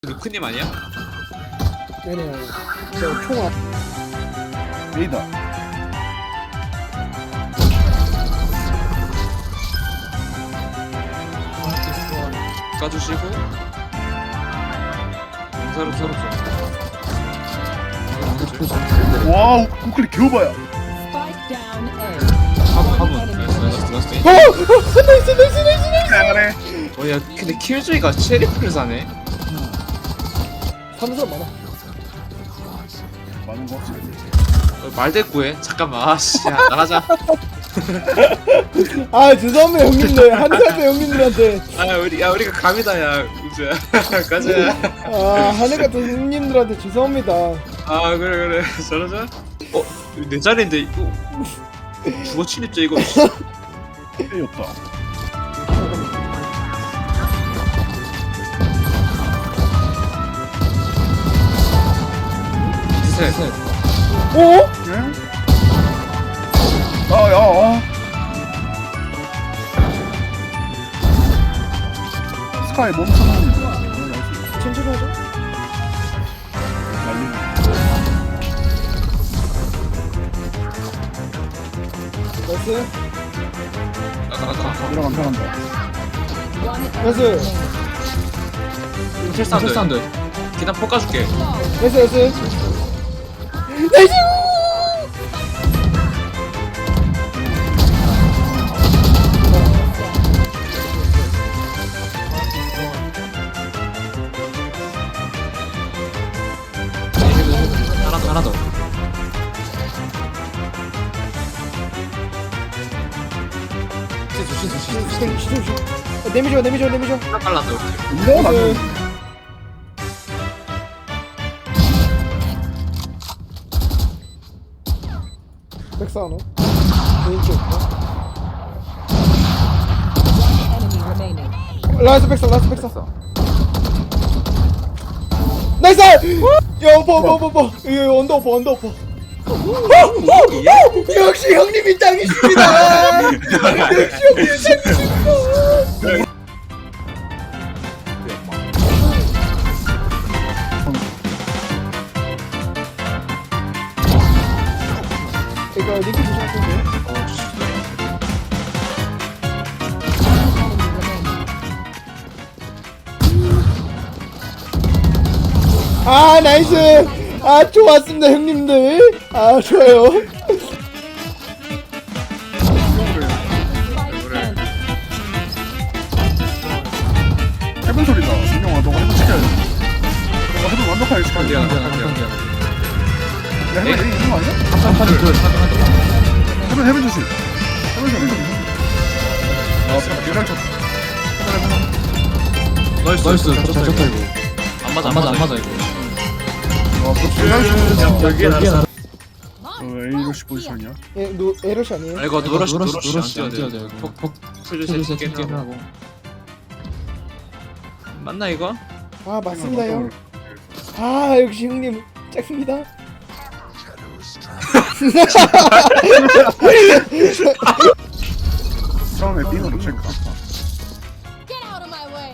루크님 아니야? 네네. 저 총알. 레이더. 까주시고 용사로 서로 와우, 우클릭 겨우봐야. Spike down A. 화분 나이스. 잘해. 야 근데 킬조이가 체리프를 사네. 사는 사람 많아. 많은 거 확실히. 말대꾸해. 잠깐만 아씨 야 나가자. 아 죄송합니다 형님들. 한해가도 형님들한테. 우리가 감이다 야 우주야. 가자. 아 한해가도 형님들한테 죄송합니다. 아 그래 저러자. 내 자리인데 이거 주거 침입자 이거. A였다. 셋. 어? 응? 야. 스카이 멈춰놓은 거. 천천히 하자. 나이스. 들어간 편한다. 나이스. 실사운드. 기단 폭 까줄게. 나이스 나이스. 나이스. 하나 더. 시도. 내미죠. 하나 빨랐어. 이거 나는 백사하나? 왼쪽. Enemy remaining. 라이스 백사. 나이스! 야, 버. 이거 언더퍼. 역시 형님이 짱이십니다. 역시 형님이 짱이십니다. 이거 리퀴드 샷인데? Enemy remaining. 아 나이스. 아 좋았습니다 형님들. 아 좋아요. Spike planted. 해본 소리다. 민영아, 너가 해본 시켜야 돼. 너가 해본 완벽하게 시켜야 돼. 야, 해본 이런 거 아니야? 해본 조심. 해본 조심. 아, 유랑 쳤어. 나이스. 좋다 이거. 안 맞아 이거. 여기에 나왔어. A로시 포지션이야? 예, 에러시 아니에요? 아 이거 노러시 안 뛰어야 돼. 돼. 폭 풀주세 게임 하고. 맞나 이거? 아 맞습니다 형. 아 역시 형님 짱입니다. 처음에 B으로 체크. Get out of my way.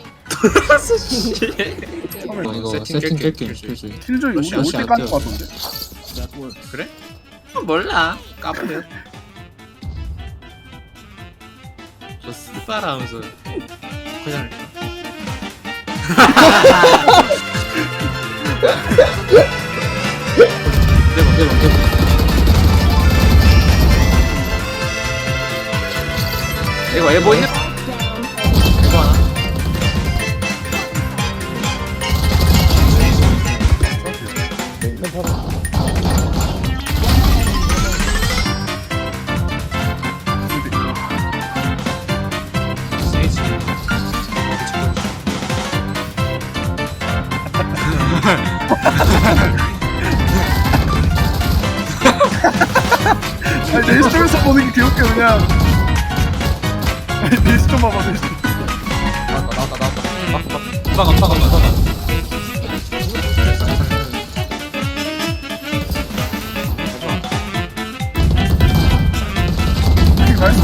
처음에 이거 세팅 세팅 깰게. 깰게 킬조이. 킬조이 우리 올 러시 때 안 까는 뛰어. 거 같던데? 그래? 몰라. 까불려. 저 스파라 하면서 그냥 대박. 이거 에보 있는 Down A. 에보 하나. 괜찮아. 세이지. 아니, 내 시점에서 보는 게 귀엽게 그냥. 아니, 내 시점 봐봐, 내 시점. 나가. 나이스.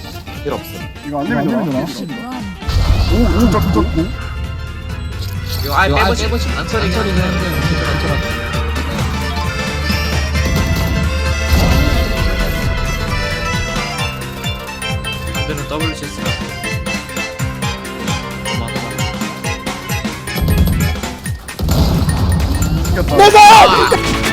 필요 없어. 이거 안 되면 되나? 오, 진짜. 이거 이거 아예 이거 아예 빼보지 빼보지 안처리긴 안처리는 한데 한데 안처리 그대로 더블 체스가 이겼다. 내가